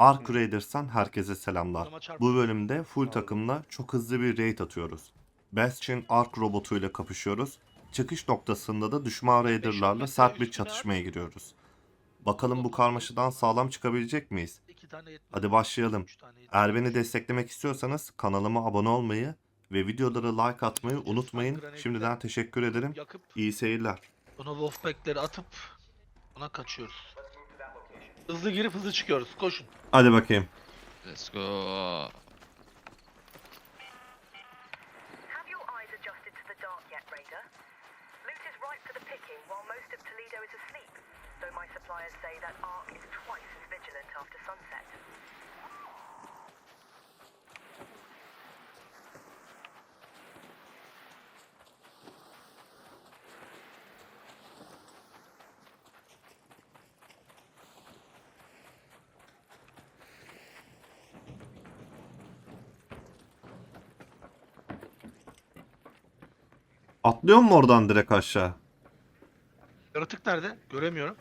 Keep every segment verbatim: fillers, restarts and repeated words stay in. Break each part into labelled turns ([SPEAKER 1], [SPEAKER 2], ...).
[SPEAKER 1] Ark Raiders'tan herkese selamlar.
[SPEAKER 2] Adama çarp-
[SPEAKER 1] Bu bölümde full takımla çok hızlı bir raid atıyoruz. Bastion Ark robotuyla kapışıyoruz. Çıkış noktasında da düşman raiderlarla sert bir çatışmaya giriyoruz. Bakalım bu karmaşadan sağlam çıkabilecek miyiz?
[SPEAKER 2] İki tane yetmez.
[SPEAKER 1] Hadi başlayalım.
[SPEAKER 2] Üç tane yetmez.
[SPEAKER 1] Eğer beni desteklemek istiyorsanız kanalıma abone olmayı ve videoları like atmayı unutmayın. Şimdiden teşekkür ederim.
[SPEAKER 2] Yakıp
[SPEAKER 1] İyi seyirler.
[SPEAKER 2] buna Wolfpack'leri atıp ona kaçıyoruz. Hızlı girip hızlı çıkıyoruz. Koşun.
[SPEAKER 1] Hadi bakayım.
[SPEAKER 3] Let's go.
[SPEAKER 4] Have your eyes adjusted to the dark yet, Raider? Loot is ripe for the picking while most of Toledo is asleep, though my suppliers say that Ark is twice as vigilant after sunset.
[SPEAKER 1] Atlıyor mu oradan direkt aşağı?
[SPEAKER 2] Yaratık nerede? Göremiyorum.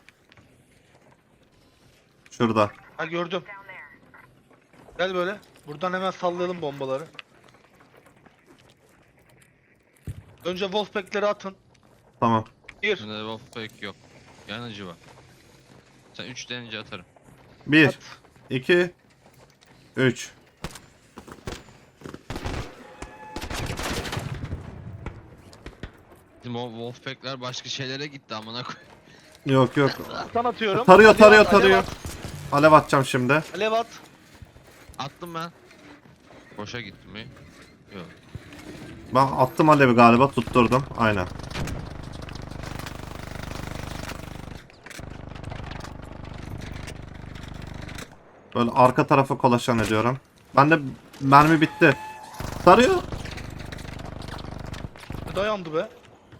[SPEAKER 1] Şurada.
[SPEAKER 2] Ha gördüm.
[SPEAKER 4] Down there.
[SPEAKER 2] Gel böyle. Buradan hemen sallayalım bombaları. Önce Wolfpack'leri atın.
[SPEAKER 1] Tamam.
[SPEAKER 2] Bir.
[SPEAKER 3] Şimdi Wolfpack yok. Yanıcı var. Sen üç denince atarım.
[SPEAKER 1] bir,
[SPEAKER 2] At.
[SPEAKER 1] iki, üç.
[SPEAKER 3] Bizim o Wolfpack'ler başka şeylere gitti amına koy.
[SPEAKER 1] Yok yok.
[SPEAKER 2] Tan atıyorum.
[SPEAKER 1] Tarıyor
[SPEAKER 2] Alev
[SPEAKER 1] tarıyor
[SPEAKER 2] at, alev
[SPEAKER 1] tarıyor.
[SPEAKER 2] at.
[SPEAKER 1] Alev atacağım şimdi.
[SPEAKER 2] Alev at.
[SPEAKER 3] Attım ben. Boşa gitti mi? Yok.
[SPEAKER 1] Ben attım alevi galiba, tutturdum. Aynen. Böyle arka tarafa kolaşan ediyorum. Ben de mermi bitti. Tarıyor.
[SPEAKER 2] Dayandı be.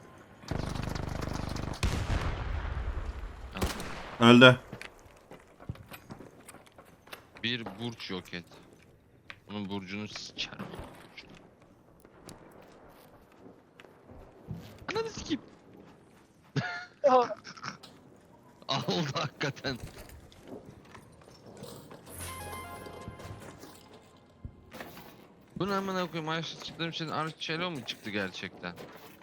[SPEAKER 1] Öldü.
[SPEAKER 3] Bir burç yok et. Bunun burcunu sikerim. Ananı sikeyim. Aldı hakikaten. Bu ne amına koyayım? Ayşe çıktığım için Arçelo mu çıktı gerçekten?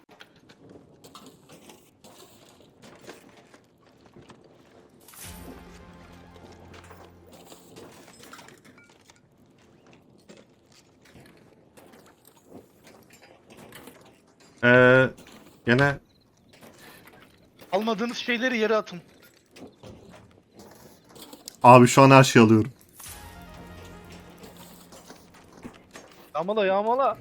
[SPEAKER 1] Ee, gene
[SPEAKER 2] Almadığınız şeyleri yere atın.
[SPEAKER 1] abi şu an her şeyi alıyorum.
[SPEAKER 2] Yağmala yağmala.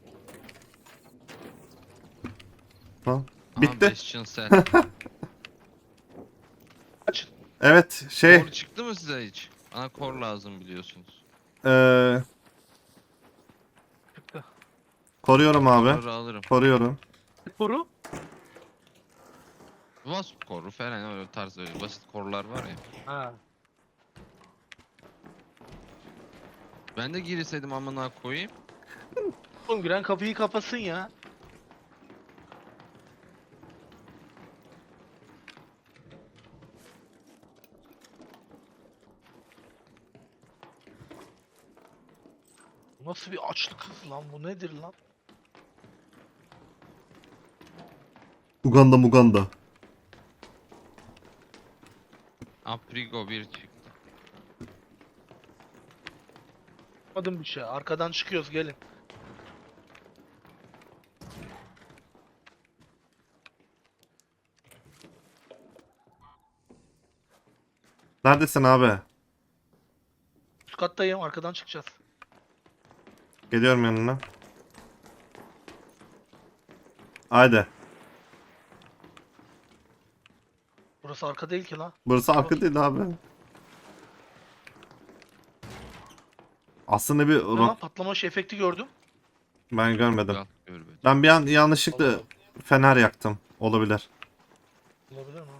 [SPEAKER 1] Ha,
[SPEAKER 3] Aha,
[SPEAKER 1] bitti.
[SPEAKER 3] Bastion set.
[SPEAKER 2] Kaç.
[SPEAKER 1] Evet şey
[SPEAKER 3] Kor çıktı mı size hiç? Bana kor lazım biliyorsunuz.
[SPEAKER 1] ee,
[SPEAKER 2] Çıktı.
[SPEAKER 1] koruyorum abi.
[SPEAKER 3] Koru alırım.
[SPEAKER 1] Koruyorum.
[SPEAKER 2] Koru.
[SPEAKER 3] Wasp koru falan öyle tarz öyle basit korlar var ya.
[SPEAKER 2] Ha.
[SPEAKER 3] Ben de girseydim amına koyayım.
[SPEAKER 2] Oğlum giren kapıyı kapasın ya. Bu nasıl bir açlık hız lan, bu nedir lan?
[SPEAKER 1] Uganda Muganda.
[SPEAKER 3] Aprigo bir çıktı.
[SPEAKER 2] Yapmadım bir şey. Arkadan çıkıyoruz, gelin.
[SPEAKER 1] Neredesin abi?
[SPEAKER 2] Üst kattayım, arkadan çıkacağız.
[SPEAKER 1] Geliyorum yanına. Haydi.
[SPEAKER 2] Burası arka değil ki lan.
[SPEAKER 1] Burası arka değil abi. Aslında bir
[SPEAKER 2] Ne lan,
[SPEAKER 1] rock
[SPEAKER 2] patlama şey efekti gördüm.
[SPEAKER 1] ben görmedim.
[SPEAKER 3] Gel gör be.
[SPEAKER 1] Ben bir an yanlışlıkla
[SPEAKER 2] Allah.
[SPEAKER 1] fener yaktım. Olabilir.
[SPEAKER 2] Olabilir mi?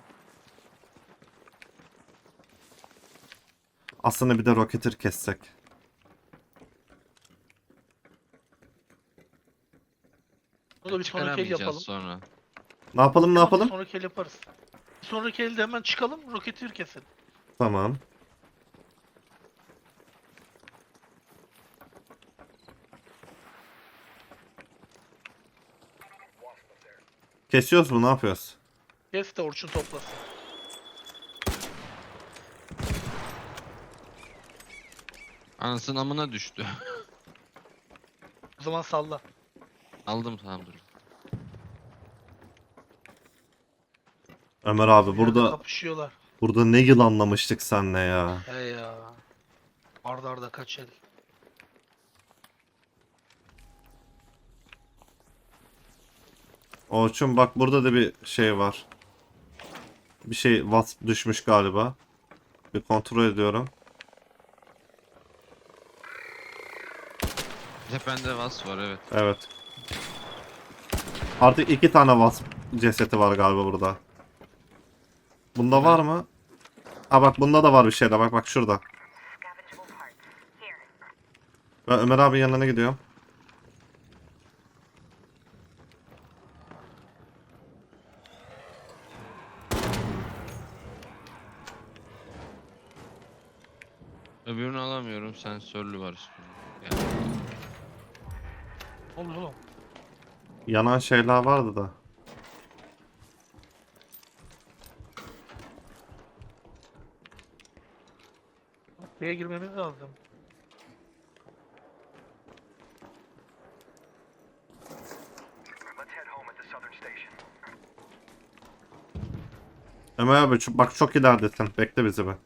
[SPEAKER 1] Aslında bir de roketir kessek.
[SPEAKER 2] Bunu da bir sonraki el
[SPEAKER 3] Çıkaramayacağız
[SPEAKER 2] yapalım.
[SPEAKER 3] sonra.
[SPEAKER 1] Ne yapalım ne
[SPEAKER 2] Tamam,
[SPEAKER 1] yapalım?
[SPEAKER 2] Sonraki el yaparız. Bir sonraki elde hemen çıkalım, roketi keselim.
[SPEAKER 1] Tamam. Kesiyoruz mu? Ne yapıyoruz?
[SPEAKER 2] Kes de Orçun toplasın.
[SPEAKER 3] Anasının amına düştü.
[SPEAKER 2] O zaman salla.
[SPEAKER 3] Aldım, tamam dur.
[SPEAKER 1] Ömer abi
[SPEAKER 2] Bir yerde
[SPEAKER 1] burada
[SPEAKER 2] kapışıyorlar.
[SPEAKER 1] burada ne yılanlamıştık senle ya.
[SPEAKER 2] He ya. Arda arda kaç el.
[SPEAKER 1] Orçun bak burada da bir şey var. Bir şey wasp düşmüş galiba. Bir kontrol ediyorum.
[SPEAKER 3] Tepende vas var, evet.
[SPEAKER 1] Evet. Artık iki tane wasp cesedi var galiba burada. Bunda
[SPEAKER 3] Evet.
[SPEAKER 1] var mı? Ha bak bunda da var bir şeyler. Bak bak şurada.
[SPEAKER 4] Scavengeable parts. Here.
[SPEAKER 1] Ben Ömer abi yanına gidiyorum.
[SPEAKER 3] Öbürünü alamıyorum, sensörlü var üstünde. Yani
[SPEAKER 2] Oğlum oğlum.
[SPEAKER 1] Yanan şeyler vardı da.
[SPEAKER 2] Buraya girmemiz lazım.
[SPEAKER 5] Let's head home at the southern station.
[SPEAKER 1] Ömer abi şu- bak çok ileridesin. Bekle bizi be.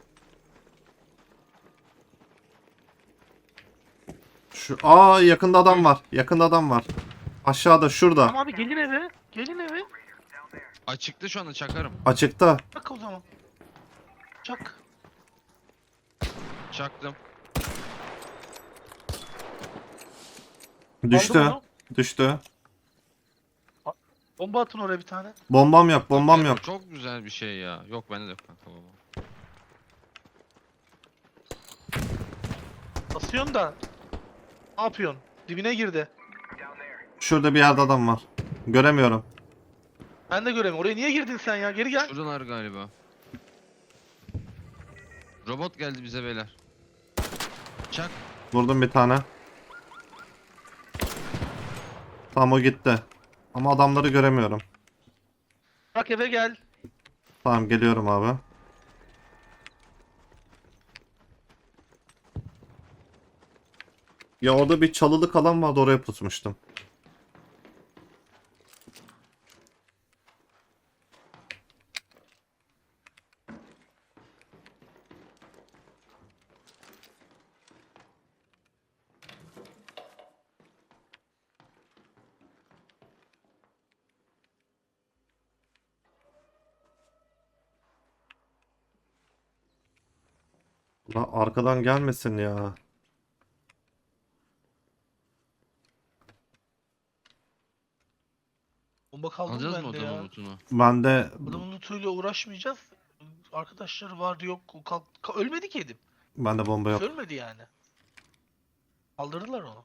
[SPEAKER 1] Şu aa yakında adam var. Yakında adam var. Aşağıda şurada.
[SPEAKER 2] Tamam abi gelin eve. Gelin eve.
[SPEAKER 3] açıkta şu anda, çakarım.
[SPEAKER 1] Açıkta.
[SPEAKER 2] Çak o zaman. Çak.
[SPEAKER 3] Çaktım.
[SPEAKER 1] Düştü.
[SPEAKER 2] Aldım onu.
[SPEAKER 1] Düştü.
[SPEAKER 2] Bomba atın oraya bir tane.
[SPEAKER 1] Bombam yok. Bombam yok.
[SPEAKER 3] Çok güzel bir şey ya. Yok bende de yok kanka baba.
[SPEAKER 2] Basıyorsun da. Ne yapıyorsun? Dibine girdi.
[SPEAKER 1] Şurada bir yerde adam var. Göremiyorum.
[SPEAKER 2] Ben de göremiyorum. Oraya niye girdin sen ya? Geri gel.
[SPEAKER 3] Şuradalar galiba. Robot geldi bize beyler. Çak.
[SPEAKER 1] Vurdum bir tane. Tamam o gitti. Ama adamları göremiyorum.
[SPEAKER 2] Bak eve gel.
[SPEAKER 1] Tamam geliyorum abi. Ya orada bir çalılık alan vardı, oraya pusmuştum. La arkadan gelmesin ya.
[SPEAKER 2] Bomba kaldı mı
[SPEAKER 3] Alacağız mı
[SPEAKER 2] bende
[SPEAKER 3] adamın
[SPEAKER 2] ya?
[SPEAKER 3] lootunu?
[SPEAKER 1] Ben de
[SPEAKER 2] Adamın lootuyla uğraşmayacağız. Arkadaşları vardı yok. O kalk ka- ölmedi ki Edim.
[SPEAKER 1] ben de bomba yok.
[SPEAKER 2] Ölmedi yani. Kaldırdılar onu.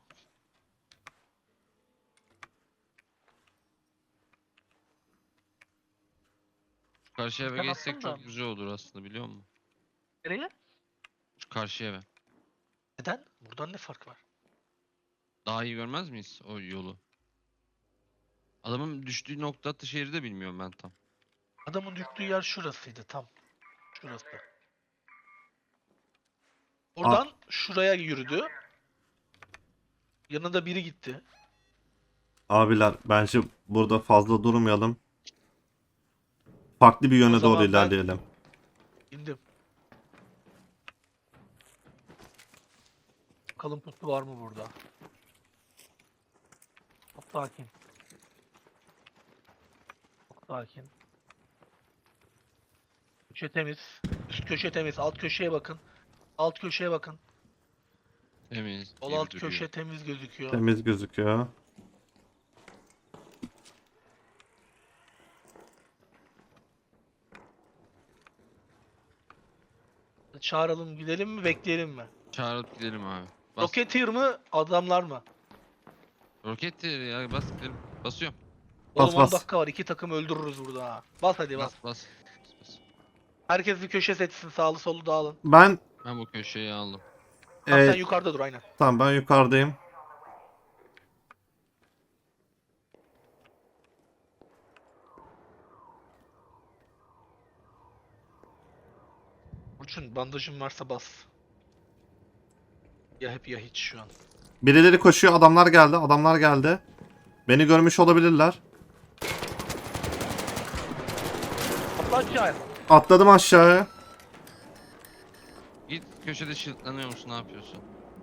[SPEAKER 3] Şu karşı eve
[SPEAKER 2] Ben
[SPEAKER 3] geçsek
[SPEAKER 2] attım da.
[SPEAKER 3] çok güzel olur aslında, biliyor musun?
[SPEAKER 2] Nereye?
[SPEAKER 3] Şu karşı eve.
[SPEAKER 2] Neden? Buradan ne fark var?
[SPEAKER 3] Daha iyi görmez miyiz o yolu? Adamın düştüğü nokta attığı yeri de bilmiyorum ben tam.
[SPEAKER 2] Adamın düştüğü yer şurasıydı tam. Şurası. Oradan şuraya yürüdü. Yanında biri gitti.
[SPEAKER 1] Abiler bence burada fazla durmayalım. Farklı bir yöne
[SPEAKER 2] O zaman
[SPEAKER 1] doğru
[SPEAKER 2] ben-
[SPEAKER 1] ilerleyelim.
[SPEAKER 2] İndim. Bakalım pusu var mı burada? Çok sakin. Çok sakin. Köşe temiz. Üst köşe temiz. Alt köşeye bakın. Alt köşeye bakın.
[SPEAKER 3] Temiz.
[SPEAKER 2] Sol
[SPEAKER 3] gibi
[SPEAKER 2] alt
[SPEAKER 3] duruyor.
[SPEAKER 2] köşe temiz gözüküyor.
[SPEAKER 1] Temiz gözüküyor.
[SPEAKER 2] Çağıralım gidelim mi bekleyelim mi?
[SPEAKER 3] Çağırıp gidelim abi. Bas.
[SPEAKER 2] Rocketeer mı adamlar mı?
[SPEAKER 3] Roket değil ya, bas gidelim. Basıyorum.
[SPEAKER 1] Bas,
[SPEAKER 2] Oğlum on
[SPEAKER 1] bas.
[SPEAKER 2] dakika var. iki takım öldürürüz burada ha. Bas hadi bas.
[SPEAKER 3] Bas bas. Bas, bas.
[SPEAKER 2] Herkes bir köşe seçsin. Sağlı solu dağılın.
[SPEAKER 1] Ben
[SPEAKER 3] Ben bu köşeyi aldım.
[SPEAKER 2] Tamam
[SPEAKER 1] e,
[SPEAKER 2] sen yukarıda dur aynen.
[SPEAKER 1] tamam ben yukarıdayım.
[SPEAKER 2] Burçun bandajın varsa bas. Ya hep ya hiç şu an.
[SPEAKER 1] Birileri koşuyor. Adamlar geldi. Adamlar geldi. Beni görmüş olabilirler.
[SPEAKER 2] Atla aşağıya.
[SPEAKER 1] Atladım aşağıya.
[SPEAKER 3] Git köşede şiltlanıyor musun? Ne yapıyorsun?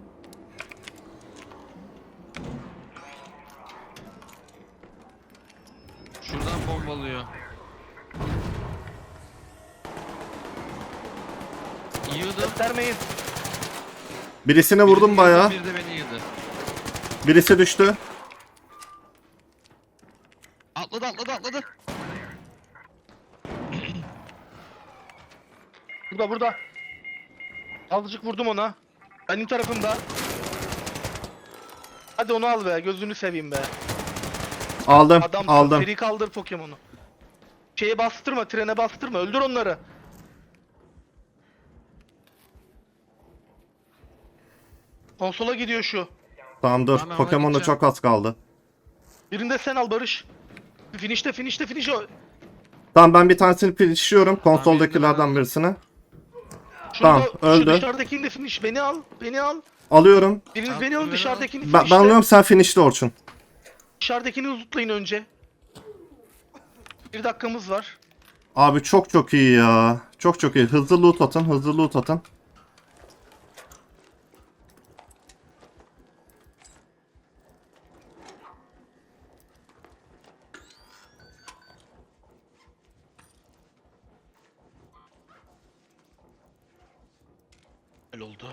[SPEAKER 3] Şuradan bombalıyor. Yığdım.
[SPEAKER 2] Göstermeyin.
[SPEAKER 1] Birisine vurdum
[SPEAKER 3] Birini
[SPEAKER 1] bayağı.
[SPEAKER 3] yığdı, Bir de beni yığdı.
[SPEAKER 1] Birisi düştü.
[SPEAKER 3] Atladı atladı atladı.
[SPEAKER 2] Burada burada. Azıcık vurdum ona. Benim tarafımda. Hadi onu al be, gözünü seveyim be.
[SPEAKER 1] Aldım.
[SPEAKER 2] Adam
[SPEAKER 1] aldım.
[SPEAKER 2] seri kaldır Pokemon'u. Şeye bastırma, trene bastırma. Öldür onları. Konsola gidiyor şu.
[SPEAKER 1] Tamam dur.
[SPEAKER 3] Tamam,
[SPEAKER 1] Pokemon'da
[SPEAKER 3] gideceğim.
[SPEAKER 1] çok az kaldı.
[SPEAKER 2] Birinde sen al Barış. Finish'te finish'te finish o.
[SPEAKER 1] Tamam ben bir tanesini finishliyorum.
[SPEAKER 3] Tamam,
[SPEAKER 1] Konsoldakilerden
[SPEAKER 3] bir-
[SPEAKER 1] birisini.
[SPEAKER 2] Şurada,
[SPEAKER 1] Tamam, öldü.
[SPEAKER 2] Şu dışarıdakini de finish. Beni al. Beni al.
[SPEAKER 1] Alıyorum.
[SPEAKER 2] Biriniz
[SPEAKER 3] Tamam,
[SPEAKER 2] beni alın,
[SPEAKER 3] beni al.
[SPEAKER 2] dışarıdakini
[SPEAKER 1] Ben, ben
[SPEAKER 2] finish'te.
[SPEAKER 1] alıyorum, sen finishli Orçun.
[SPEAKER 2] Dışarıdakini uzutlayın önce. Bir dakikamız var.
[SPEAKER 1] Abi çok çok iyi ya. Çok çok iyi. Hızlı loot atın. Hızlı loot atın.
[SPEAKER 2] Öyle oldu.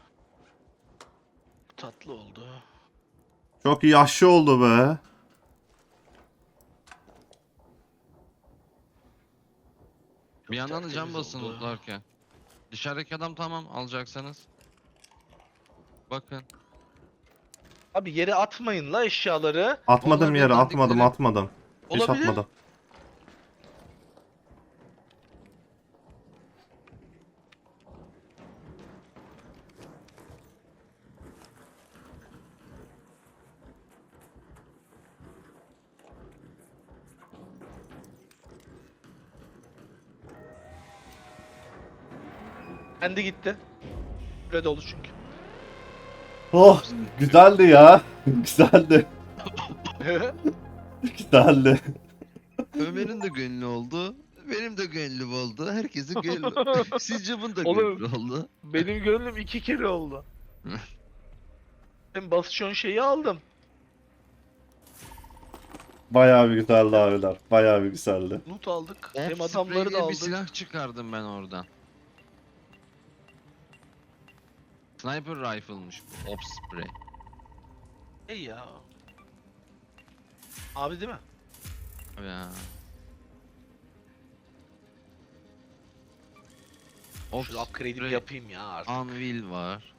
[SPEAKER 2] Tatlı oldu.
[SPEAKER 1] Çok iyi aşı oldu be.
[SPEAKER 3] Bir yandan da
[SPEAKER 2] Çok
[SPEAKER 3] cam
[SPEAKER 2] temiz
[SPEAKER 3] basın
[SPEAKER 2] oldu.
[SPEAKER 3] lootlarken. Dışarıdaki adam tamam alacaksanız. Bakın.
[SPEAKER 2] Abi yere atmayın la eşyaları.
[SPEAKER 1] Atmadım
[SPEAKER 3] Onlar
[SPEAKER 1] yere,
[SPEAKER 3] bir
[SPEAKER 1] atmadım,
[SPEAKER 3] dandikleri-
[SPEAKER 1] atmadım. Hiç
[SPEAKER 2] Olabilir.
[SPEAKER 1] atmadım.
[SPEAKER 2] Kendi gitti. Süre dolu çünkü.
[SPEAKER 1] Oh, güzeldi ya. güzeldi. güzeldi.
[SPEAKER 3] Ömer'in de gönlü oldu. Benim de gönlüm oldu. Herkesin gönlü. Sizce bunun da
[SPEAKER 2] Oğlum.
[SPEAKER 3] gönlü oldu.
[SPEAKER 2] Benim gönlüm iki kere oldu. Ben basışon şeyi aldım.
[SPEAKER 1] Bayağı bir güzeldi abiler. Bayağı bir güzeldi.
[SPEAKER 2] Loot aldık.
[SPEAKER 3] Hem
[SPEAKER 2] Hem adamları da
[SPEAKER 3] bir
[SPEAKER 2] aldık.
[SPEAKER 3] silah çıkardım ben oradan. Sniper rifle'mış bu. Ops spray.
[SPEAKER 2] Ey ya. Abi değil mi?
[SPEAKER 3] Ya. Ops
[SPEAKER 2] Şu upgrade'imi
[SPEAKER 3] spray.
[SPEAKER 2] yapayım ya artık.
[SPEAKER 3] Anvil var.